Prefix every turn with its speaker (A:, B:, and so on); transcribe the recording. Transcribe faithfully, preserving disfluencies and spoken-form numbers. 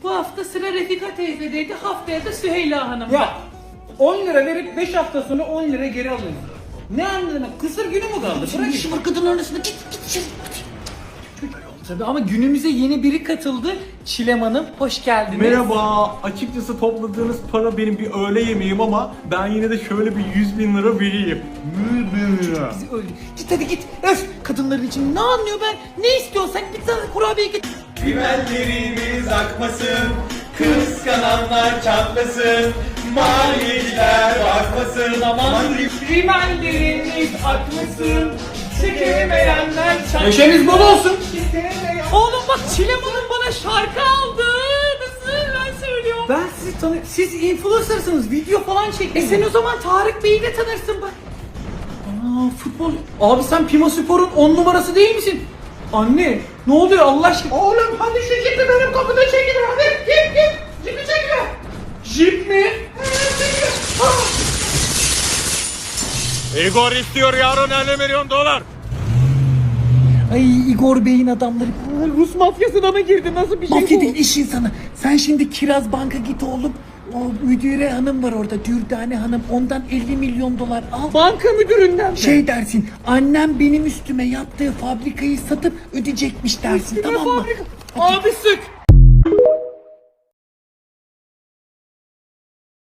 A: Bu hafta sıra Refika teyzedeydi, haftaya da Süheyla Hanım.
B: Ya on lira verip beş hafta sonra on lira geri alıyorsun. Ne anladın? Kısır günü mü kaldı? Bırak
A: işim var kadınların arasında, git git içeri.
B: Tabii ama günümüze yeni biri katıldı. Çilem Hanım, hoş geldiniz.
C: Merhaba. Açıkçası topladığınız para benim bir öğle yemeğim ama ben yine de şöyle bir yüz bin lira vereyim. yüz bin lira.
A: Bizi öldü. Git hadi git. Öf, kadınların için ne anlıyor ben? Ne istiyorsan git sana kurabiye git.
D: Rimellerimiz akmasın, kıskananlar çatlasın, maliyeciler bakmasın, aman
A: Rimelleriniz akmasın, çekemeyenler çarpsın.
B: Neşeniz bol olsun.
A: Oğlum bak Çilem Hanım bana şarkı aldı. Nasıl ben söylüyorum.
B: Ben sizi tanıyorum. Siz influencer'sınız. Video falan
A: E
B: çektiniz.
A: sen o zaman Tarık Bey'i de tanırsın bak.
B: Aa, futbol. Abi sen Pima Spor'un on numarası değil misin? Anne ne oluyor Allah aşkına?
A: Oğlum hadi şu jipi benim kapıda çekin hadi. Git git. Jipi çekiyor.
B: Jip mi?
C: Igor istiyor yarın elli milyon dolar.
A: Ay Igor Bey'in adamları Rus mafyasına mı girdi? Nasıl bir şey
E: Mafya
A: bu?
E: değil iş insanı. Sen şimdi Kiraz Bank'a git oğlum. O müdüre hanım var orada. Dürdane hanım. Ondan elli milyon dolar al.
A: Banka müdüründen mi?
E: Şey dersin. Annem benim üstüme yaptığı fabrikayı satıp ödeyecekmiş dersin. Tamam mı?
A: Fabrika. Abi sık.